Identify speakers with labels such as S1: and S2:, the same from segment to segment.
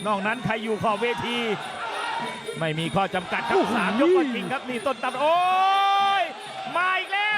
S1: นอกนั้นใครอยู่ขอบเวทีไม่มีข้อจำกัดครับ3 ยกก็จริงครับนี่ต้นตำโอ้ยมาอีกแล้ว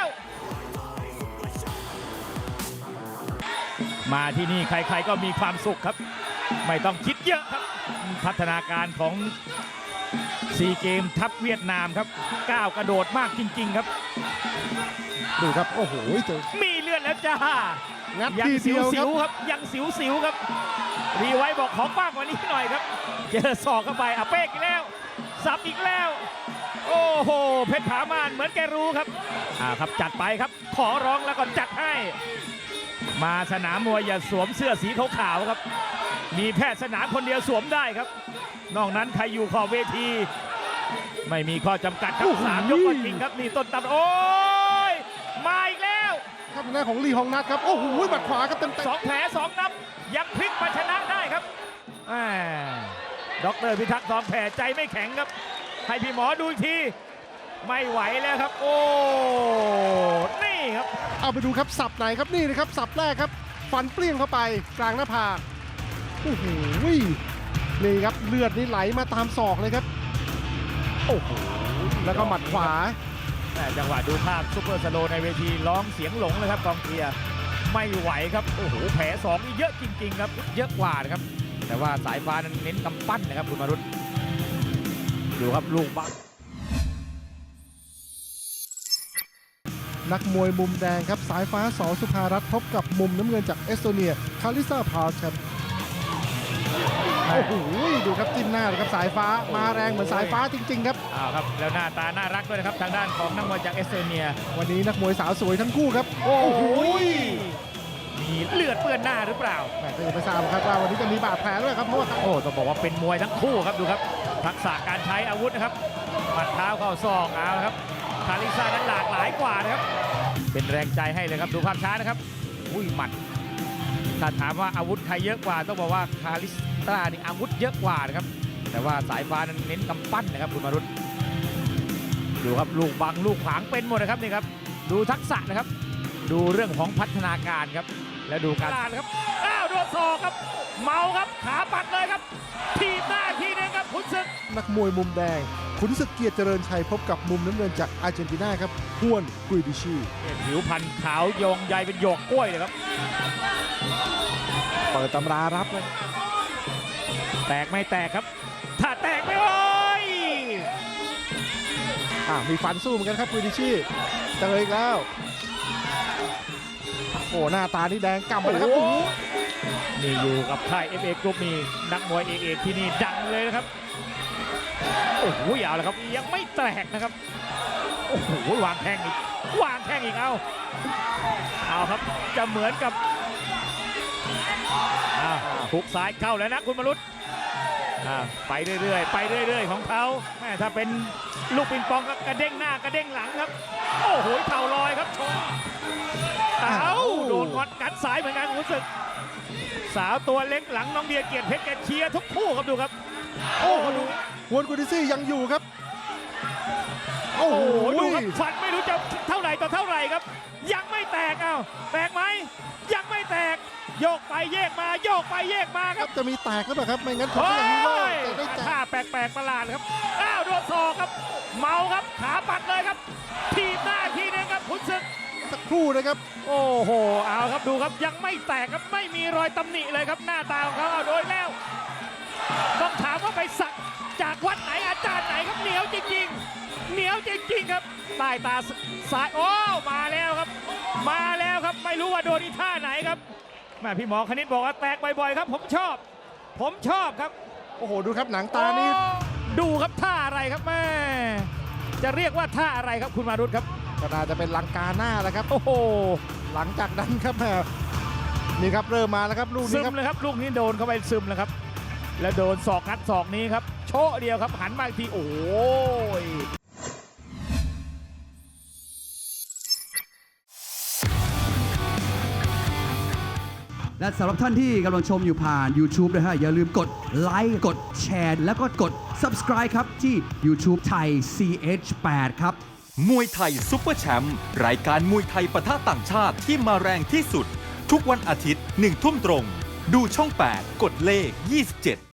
S1: มาที่นี่ใครๆก็มีความสุขครับไม่ต้องคิดเยอะครับพัฒนาการของซีเกมทัพเวียดนามครับก้าวกระโดดมากจริงๆครับ
S2: ดูครับโอ้โหเจอ
S1: มีเลือดแล้วจ้า
S2: งัด
S1: ยัง
S2: ที
S1: สิ
S2: เดียว
S1: ว
S2: ครับ
S1: ๆครับยังสิวๆครับรีไว้บอกขอกว้างกว่านี้หน่อยครับเจอศอกเข้าไปเป๊กอีกแล้วสับอีกแล้วโอ้โหเพชรผามานเหมือนแกรู้ครับครับจัดไปครับขอร้องแล้วก็จัดให้มาสนามมวยอย่าสวมเสื้อสีขาวๆครับมีแพทย์สนามคนเดียวสวมได้ครับนอกนั้นใครอยู่ขอบเวทีไม่มีข้อจำกัดครับ3 ยกก็จริงครับนี่ต้นตำโอ้ยมาอีกแล้ว
S2: ครับหน้าของลีฮองนัทครับโอ้โหหมัดขวาครับเต็ม
S1: 2 แผล 2 นับยังพลิกมาชนะได้ครับดร.พิทักษ์2 แผลใจไม่แข็งครับให้พี่หมอดูอีกทีไม่ไหวแล้วครับโอ้นี่ครับ
S2: เอาไปดูครับสับไหนครับนี่นะครับสับแรกครับฟันเปรี้ยงเข้าไปกลางหน้าผากโอ้โหนี่ครับเลือดนี่ไหลมาตามศอกเลยครับโอ้โหแล้วก็หมัดขวา
S1: จังหวะดูภาพซุปเปอร์สโลว์ในเวทีร้องเสียงหลงเลยครับกองเชียร์ไม่ไหวครับโอ้โหแผล2นี่เยอะจริงๆครับเยอะกว่านะครับแต่ว่าสายฟ้านั้นเน้นกำปั้นนะครับคุณมารุตดูครับลูกบัง
S2: นักมวยมุมแดงครับสายฟ้าส.สุภารัตน์พบกับมุมน้ำเงินจากเอสโตเนียคาริซาพาร์ครับโอ้โหดูครับจิ้มหน้าเลยครับสายฟ้ามาแรงเหมือนสายฟ้าจริงๆครับ
S1: ครับแล้วหน้าตาน่ารักด้วยนะครับทางด้านของนักมวยจากเอสโตเนีย
S2: วันนี้นักมวยสาวสวยทั้งคู่ครับโอ้โห
S1: มีเลือดเปื้อนหน้าหรือเปล่า
S2: แต่ก็ยังไม่ทราบครับว่าวันนี้จะมีบาดแผลด้วยครับเพราะว่า
S1: ต้องบอกว่าเป็นมวยทั้งคู่ครับดูครับทักษะการใช้อาวุธนะครับหมัดเท้าเข้าศอกเอาครับคาริซ่านั้นหลากหลายกว่านะครับเป็นแรงใจให้เลยครับดูภาพช้านะครับหมัดถ้าถามว่าอาวุธใครเยอะกว่าต้องบอกว่าคาริซ่านี่อาวุธเยอะกว่านะครับแต่ว่าสายฟ้านั้นเน้นกำปั้นนะครับคุณมารุตดูครับลูกบังลูกขวางเป็นหมดนะครับนี่ครับดูทักษะนะครับดูเรื่องของพัฒนาการครับแล้วดูการครับโดนศอกครับเมาครับขาปัดเลยครับทีมหน้าทีนึงครับขุนศึก
S2: นักมวยมุมแดงขุนศึกเกียรติเจริญชัยพบกับมุมน้ำเงินจากอาร์เจนตินาครับฮวนกุยดิชี
S1: ผิวพรรณขาวโยงใยเป็นหยวกกล้วยเลยครับ
S2: เปิดตำรารับเลย
S1: แตกไม่แตกครับถ้าแตกไม่โอ้ย
S2: มีฟันสู้เหมือนกันครับกุยดิชีเจออีกแล้วโอ้หน้าตานี่แดงกำไปเลยครับ
S1: นี่อยู่กับค่าย FA Group นี่นักมวยเอกที่นี่ดังเลยนะครับโอ้โหยาวแล้วครับยังไม่แตกนะครับโอ้โหวางแข้งอีกเอาครับจะเหมือนกับหุกซ้ายเข้าแล้วนะคุณมรุตไปเรื่อยๆของเขาถ้าเป็นลูกปิงปองก็กระเด้งหน้ากระเด้งหลังครับโอ้โหเข่าลอยครับชนโดนกัดสายเหมือนกันรู้สึกสาวตัวเล็กหลังน้องเดียเกียรติเพชรแกเชียร์ทุกคู่ครับดูครับ
S2: โอ้โหฮวนกุยดิชียังอยู่ครับโอ้โห
S1: ดูครับฟันไม่รู้จะเท่าไหร่ต่อเท่าไหร่ครับยังไม่แตกแตกไหมยังไม่แตกโยกไปแยกมาโยกไปแยกมาครับ
S2: จะมีแตกหรือเปล่าครับไม่งั้นผมก็อย่างนี้เลย
S1: ท่าแปลกๆประหลาดครับโดนศอกครับเมาครับขาปัดเลยครับทีมหน้าทีนึงครับขุนศึก
S2: สักครู่นะครับ
S1: โอ้โหเอาครับดูครับยังไม่แตกครับไม่มีรอยตำหนิเลยครับหน้าตาของเขาโดยแล้วต้องถามว่าไปสักจากวัดไหนอาจารย์ไหนครับเหนียวจริงครับใต้ตาซ้ายมาแล้วครับไม่รู้ว่าโดนอีท่าไหนครับพี่หมอคณิตบอกว่าแตกบ่อยๆครับผมชอบครับ
S2: โอ้โหดูครับหนังตานี่
S1: ดูครับท่าอะไรครับแม่จะเรียกว่าท่าอะไรครับคุณมารุตครับ
S2: ก็น่าจะเป็นลังกาหน้าแล้วครับโอ้โหหลังจากนั้นครับนี่ครับเริ่มมาแล้วครับลูกนี้
S1: ซึมเลยครับลูกนี้โดนเข้าไปซึมแล้วครับแล้วโดนศอกงัดศอกนี้ครับโชะเดียวครับหันมาอีกทีโอ้ย
S3: และสำหรับท่านที่กำลังชมอยู่ผ่าน YouTube นะฮะอย่าลืมกดไลค์กดแชร์แล้วก็กด Subscribe ครับที่ YouTube ไทย CH8 ครับ
S4: มวยไทยซุปเปอร์แชมป์รายการมวยไทยปะทะต่างชาติที่มาแรงที่สุดทุกวันอาทิตย์ 1 ทุ่มตรงดูช่อง 8 กดเลข 27